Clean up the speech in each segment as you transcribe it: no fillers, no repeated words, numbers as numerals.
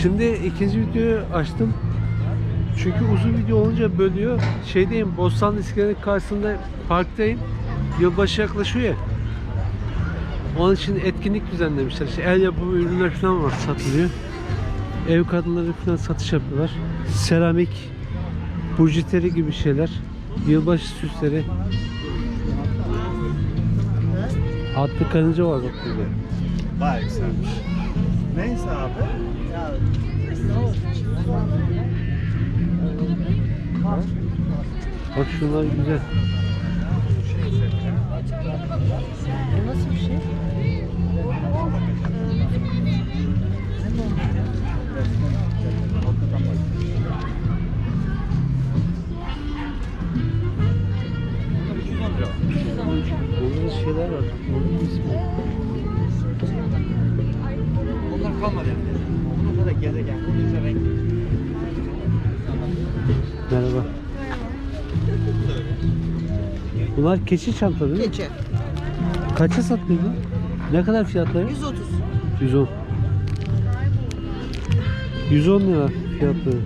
Şimdi ikinci videoyu açtım. Çünkü uzun video olunca bölüyor. Şeydeyim, Bostanlı İskelenin karşısında parktayım. Yılbaşı yaklaşıyor ya. Onun için etkinlik düzenlemişler. İşte el yapımı ürünler falan var, satılıyor. Ev kadınları falan satış yapıyorlar. Seramik, bujiteri gibi şeyler. Yılbaşı süsleri. Atlı karınca var bak burada. Bayağı yükselmiş. Neyse abi. Bak şunlar güzel. Bu nasıl bir şey? Burada şeyler var. Onun ismi. Onlar kalmadı yani. Onlar da gezegen. Bunun renk. Merhaba. Bunlar keçi çanta değil mi? Keçi. Kaça satılıyor bu? Ne kadar fiyatları? 130. 110. 110 lira fiyatları.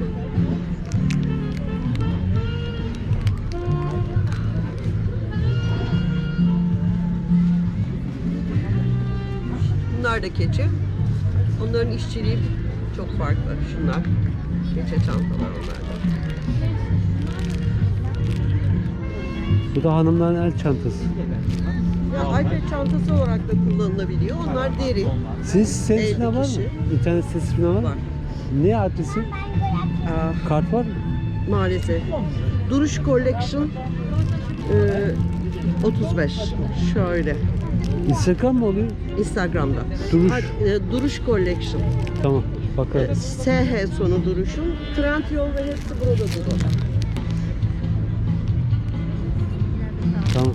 Bunlar da keçi. Onların işçiliği çok farklı. Şunlar. Keçe çantalar onlar da. Bu da hanımların el çantası. Ya iPad çantası olarak da kullanılabiliyor. Onlar deri. Sizin siteniz 50 falan var mı? kişi. İnternet sitesi falan var mı? Var. Ne adresi? Aa, Kart var mı? maalesef. Duruş Collection 35. Şöyle. Instagram mı oluyor? Instagram'da. Duruş. Duruş Collection. Tamam. Bakarız. SH sonu duruşun. Trendyol ve hepsi burada durur. Tamam.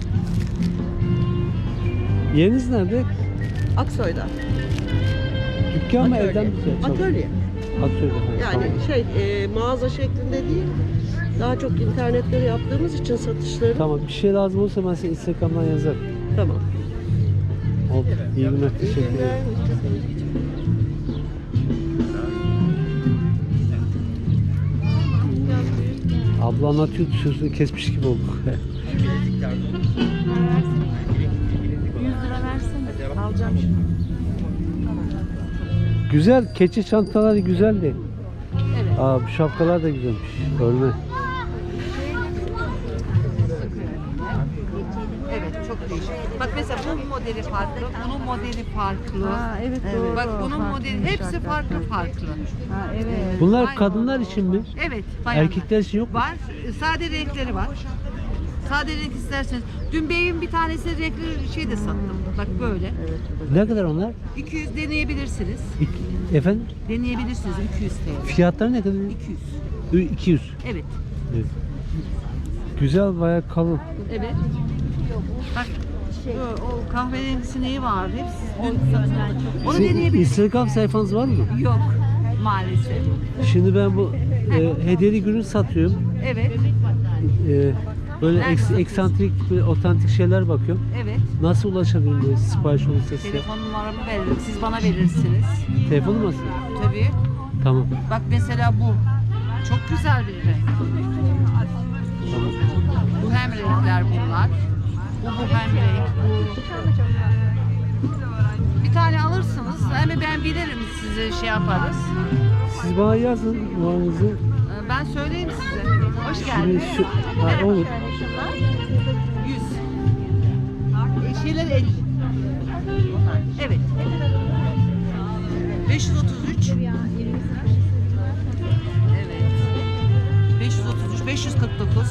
Yeriniz nerede? Aksoy'da. Dükkan mı evden mi çalışıyorsunuz? Atölye. Atölye. Yani mağaza şeklinde değil. Daha çok internetleri yaptığımız için satışları. Tamam. Bir şey lazım olursa ben size Instagram'dan yazarım. Tamam. Oldu. İyi günler. Teşekkür ederim. Abla anlatıyor, sözünü kesmiş gibi olduk. 100 lira versene. Alacağım şimdi. Güzel, keçi çantaları güzeldi. Evet. Aa, bu şapkalar da güzelmiş. Örme. Evet, çok değişik. Bak mesela bunun modeli farklı, bunun modeli farklı. Ha, evet, doğru. Bak bunun Farklı modeli hepsi farklı farklı. Ha, evet. Bunlar Aynen. kadınlar için mi? Evet, bayanlar. Erkekler için yok mu? Var, sade renkleri var. Sade renk isterseniz. Dün beyin bir tanesi renkli şey de sattım. Bak böyle. Ne kadar onlar? 200 deneyebilirsiniz. Efendim? Deneyebilirsiniz 200 TL. Fiyatları ne kadar? 200. 200. Evet. Evet. Güzel, bayağı kalın. Evet. Bak o kahverengisi neyi var? Hepsi dün satıldı. Onu Sizin deneyebilirsiniz. Instagram sayfanız var mı? Yok maalesef. Şimdi ben bu hediyelik ürün satıyorum. Evet. Böyle Nerede eksantrik, böyle otantik şeyler bakıyorum. Evet. Nasıl ulaşabilirim böyle sipariş olursa size? Telefon numaramı veririm. Siz bana verirsiniz. Telefonu mu? Tabii. Tamam. Bak mesela bu. Çok güzel bir renk. Tamam. Bu hem renkler bunlar. Bu hem renk. Bu. Bir tane alırsınız. Hem ben bilirim size şey yaparız. Siz bana yazın numaranızı. Ben söyleyeyim size. Hoş Şimdi geldiniz. şu, ha, olur. 100. Şeyler 50. Evet. 533. Evet. 533, 549.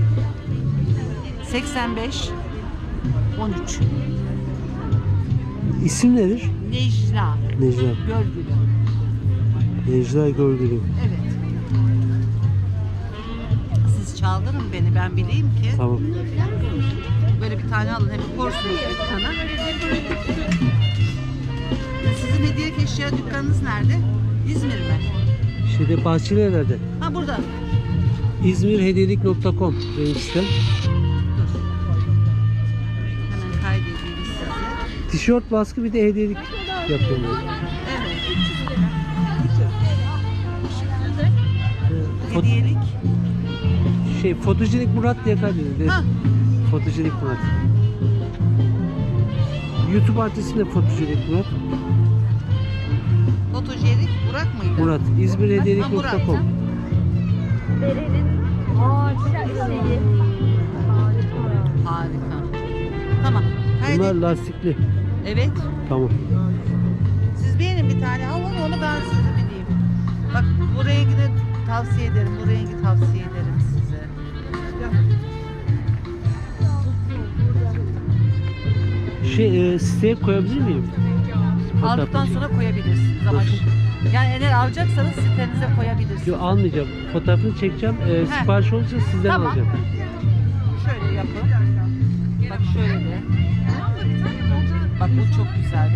85. 13. İsim nedir? Necla. Necla. Görgülü. Necla Görgülü. Evet. Siz çaldırın beni, ben bileyim ki. Tamam. Böyle bir tane alın, hep korsunuz dükkana. Sizin hediyelik eşya dükkanınız nerede? İzmir mi? Şeyde Bahçelievler'de. Ha burada. İzmirhediyelik.com benim sitem. Dur. Hemen kaydedeyim size. Tişört baskı bir de hediyelik yapıyorum. Evet. Hediyelik. Fotojenik Murat diye kaydedildi. Ha. Fotojenik Murat. YouTube adresi de Fotojenik Murat. Fotojenik Burak mıydı? Murat. Ha, İzmirhediyelik.com. Murat. Harika. Tamam. Haydi. Bunlar lastikli. Evet. Tamam. Siz beğenin bir tane alın onu ben size bileyim. Bak bu rengini tavsiye ederim. Bu rengi tavsiye ederim size. Siteye koyabilir miyim? Aldıktan sonra koyabilirsiniz ama yani eğer alacaksanız sitenize koyabilirsiniz. Yok, almayacağım. Fotoğrafını çekeceğim. Sipariş olursa sizden Tamam. alacağım. Şöyle yapın. Bak şöyle de. Bak bu çok güzel.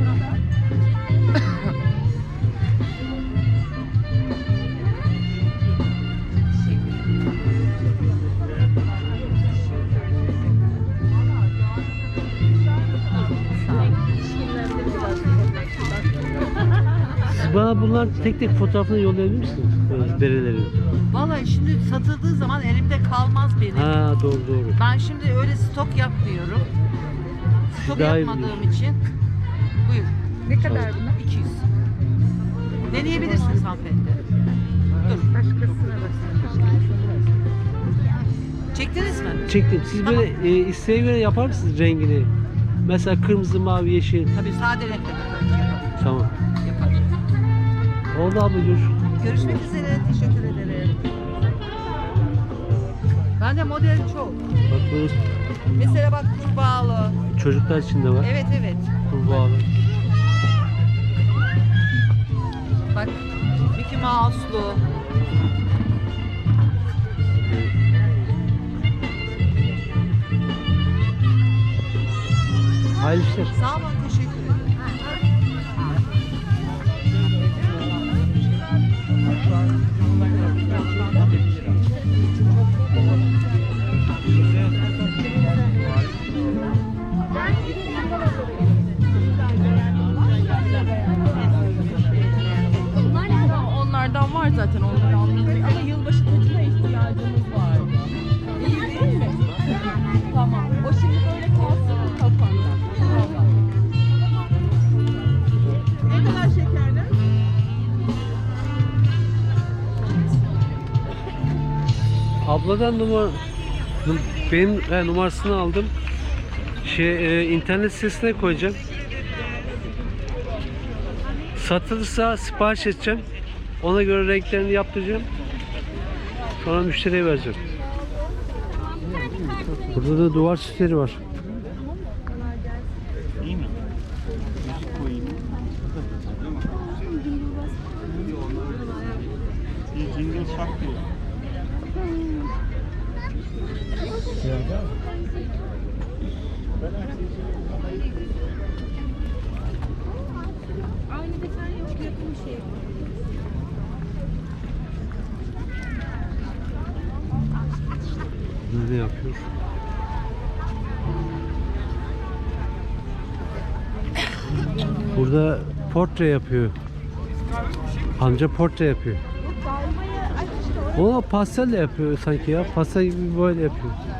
Siz bana bunlar tek tek fotoğrafını yollayabilir misiniz? Böyle berelerin. Vallahi şimdi satıldığı zaman elimde kalmaz benim. Ha, doğru. Ben şimdi öyle stok yapmıyorum. Stok Daha iyi yapmadığım için. Buyur. Ne kadar bunlar? 200. Deneyebilirsiniz hanımefendi. Dur. Başkasına basın. Çektiniz mi? Çektim. Siz Tamam. böyle isteğe göre yapar mısınız rengini? Mesela kırmızı, mavi, yeşil. Tabii sade renkte yaparım. Tamam. Yaparım. Oldu abla, görüşürüz. Görüşmek üzere. Teşekkür ederim. Bende model çok. Bak bu Mesela bak kurbağalı. çocuklar için de var. Evet. Kurbağalı. Bak Mickey Mouse'lu. Hayırlı işler. Sağ olun. Teşekkür ederim. Onlardan var zaten, onları alıyoruz ama yılbaşı tacına ihtiyacımız var. İyi değil mi? Tamam. O şimdi böyle kalsın kafanda. Tamam. Ne kadar şekerler? Abladan benim numarasını aldım. İnternet sitesine koyacağım. Satılırsa sipariş edeceğim. Ona göre renklerini yaptıracağım. Sonra müşteriye vereceğim. Burada da duvar süsleri var. İyi mi? Koyayım. Bir cingil şak diyor. Aynı detay yok, yakın bir şey. Ne yapıyor? Burada portre yapıyor. Amca portre yapıyor. O pastelle yapıyor sanki ya. Pastel gibi böyle yapıyor.